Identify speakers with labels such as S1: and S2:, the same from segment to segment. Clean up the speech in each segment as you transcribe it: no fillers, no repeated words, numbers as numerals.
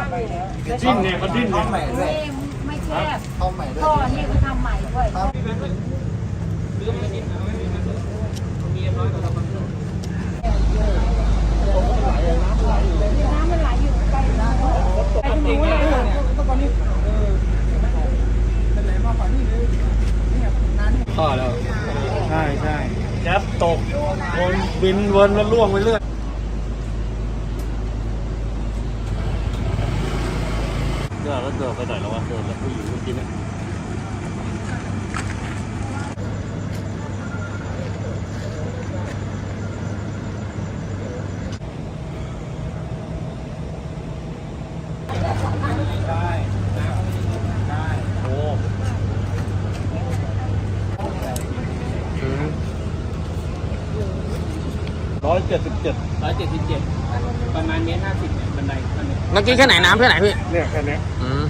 S1: ดิ้นเนี่ยเขาดิ้นเนี่ย
S2: ไม่แคบท่อนี่ก็ทำใหม่ด้วยน้ำมันไหลอยู่ไปตรงนู้นเลย
S1: พ่อแล้วใช่แจ๊บตกวนบินวนแล้วล่วงไปเรื่อยเดินแล้วเดินไปไหนแล้ววะเดินแล้วผู้หญิงเมื่อกี้เนี่ย177ประมาณ1.50 เนี่ยบันไดขั้นนี้
S3: เมื่อกี้แค่ไหนน้ำแค่ไหนพี่
S1: เนี่ยแค่นี้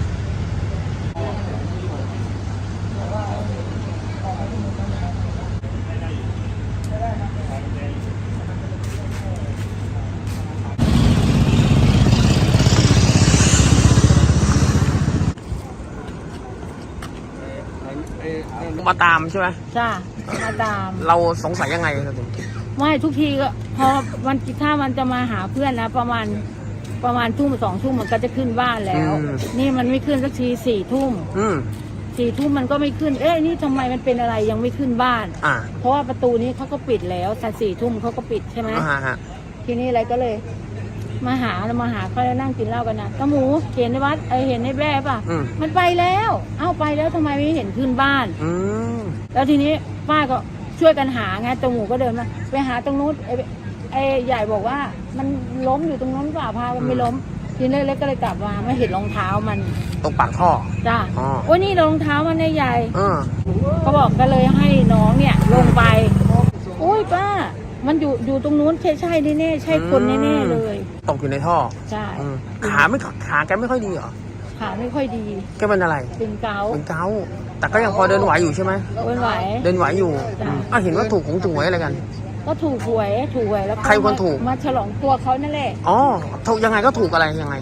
S3: มาตามใช่ไหม
S2: จ้ามาตาม
S3: เราสงสัยยังไงครับผม
S2: ไม่ทุกทีก็พอวันถ้ามันจะมาหาเพื่อนนะประมาณทุ่ม2 ทุ่มมันก็จะขึ้นบ้านแล้ว นี่มันไม่ขึ้นสักที4 ทุ่ม4 ทุ่มมันก็ไม่ขึ้นนี่ทำไมมันเป็นอะไรยังไม่ขึ้นบ้านเพราะว่าประตูนี้เขาก็ปิดแล้วแต่4 ทุ่มเขาก็ปิดใช่ไหมทีนี้อะไรก็เลยมาหาเขาแล้วนั่งกินเหล้ากันนะตาหมูเห็นในวัดเห็นในแบ่ป่ะมันไปแล้วไปแล้วทำไมไม่เห็นขึ้นบ้านแล้วทีนี้ป้าก็ช่วยกันหาไงตาหมูก็เดินมาไปหาตรงนู้นไอ้ใหญ่บอกว่ามันล้มอยู่ตรงนู้นป่าพามันไม่ล้มทีนี้เล็กก็เลยกลับมาไม่เห็นรองเท้ามัน
S3: ตรงปากท่อ
S2: จ้าว่านี่รองเท้ามันในใหญ่เขาบอกก็เลยให้น้องเนี่ยลงไปโอ้ยป้ามันอยู่ตรงนู้นใช่แน่ใช่คนแน่เลย
S3: ตกอยู่ในท่อ
S2: ใช่
S3: ขาแกไม่ค่อยดีเหรอ
S2: ขาไม่ค่อยดี
S3: แกเป็นอะไร
S2: เป็นเกา
S3: ต์แต่ก็ยังพอเดินไหวอยู่ใช่ไหม
S2: เดินไหวอยู่
S3: เห็นว่าถูกอะไรกัน
S2: ก็ถูกหวยแล้ว
S3: ใครคนถูก
S2: มาฉลองตัวเขานั่นแหละ
S3: ถูกยังไงก็ถูกอะไรยังไง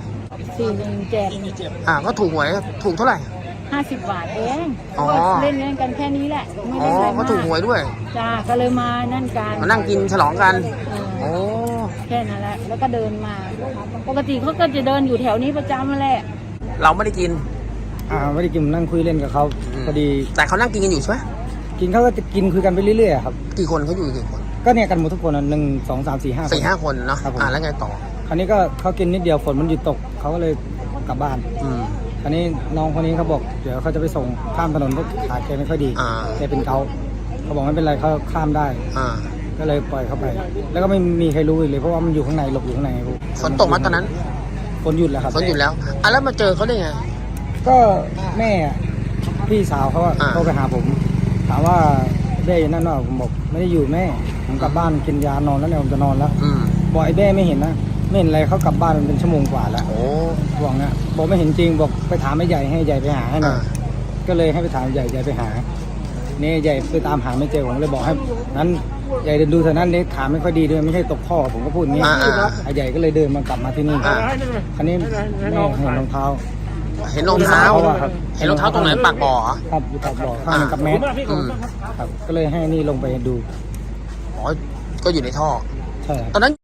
S2: 417
S3: ก็ถูกหวยถูกเท่าไหร่
S2: 50 บาทเองเล่นกันแค่นี้แหละไม่ได้อะไรมาก
S3: ก็ถูกหวยด้วย
S2: จ้าก็เลยมานั่นกัน
S3: มานั่งกินฉลองกัน
S2: แค่นั้นแหละแล้วก็เดินมาปกติเขาก็จะเดินอยู่แถวนี้ประจำมาแหละ
S3: เราไม่ได้กิน
S4: ไม่ได้กินนั่งคุยเล่นกับเขาพอดี
S3: แต่เขานั่งกินกันอยู่ใช่ไหม
S4: กินเขาก็จะกินคุยกันไปเรื่อยๆครับ
S3: กี่คนเขาอยู่กี่คน
S4: ก็เนี่ยกันหมดทุกคน1 2 3 4
S3: 5คนเนาะแล้วไงต่อ
S4: คราวนี้ก็เขากินนิดเดียวฝนมันหยุดตกเขาก็เลยกลับบ้านคราวนี้น้องคนนี้เขาบอกเดี๋ยวเขาจะไปส่งข้ามถนนเพราะขาแกไม่ค่อยดีแกเป็นเกาเขาบอกไม่เป็นไรเขาข้ามได้ก็เลยปล่อยเขาไปแล้วก็ไม่มีใครรู้เลยเพราะว่ามันอยู่ข้างในหลบอยู่ข้างใน
S3: ฝนตกมาตอนนั้น
S4: ฝนหยุดแล้วครับ
S3: ฝนหยุดแล้วแล้วมาเจอเขาได้ไง
S4: ก็แม่พี่สาวเขาโทรไปหาผมถามว่าเบ้อยู่นั่นหรอผมบอกไม่ได้อยู่แม่ผมกลับบ้านกินยานอนแล้วเนี่ยผมจะนอนแล้วบอกไอ้เบ้ไม่เห็นนะไม่เห็นอะไรเขากลับบ้านมันเป็นชั่วโมงกว่าแล้วบอกเนี่ยบอกไม่เห็นจริงบอกไปถามไอ้ใหญ่ให้ใหญ่ไปหาให้หน่อยก็เลยให้ไปถามใหญ่ไปหาเนี่ยใหญ่ไปตามหาไม่เจอผมเลยบอกให้นั้นใหญ่เดินดูเท่านั้นเนี่ยขาไม่ค่อยดีด้วยไม่ใช่ตกท่อผมก็พูดอย่างนี้ไอ้ใหญ่ก็เลยเดินมากลับมาที่นี่คราวนี้แม่เห็นรองเท้า
S3: เห็นรองเท้าตรงไหนปากบ่อ
S4: ครับอยู่ปากบ่อข้างกับแมสครับก็เลยให้นี่ลงไปดู
S3: ก็อยู่ในท่อ
S4: ใช่
S3: ตอนนั้น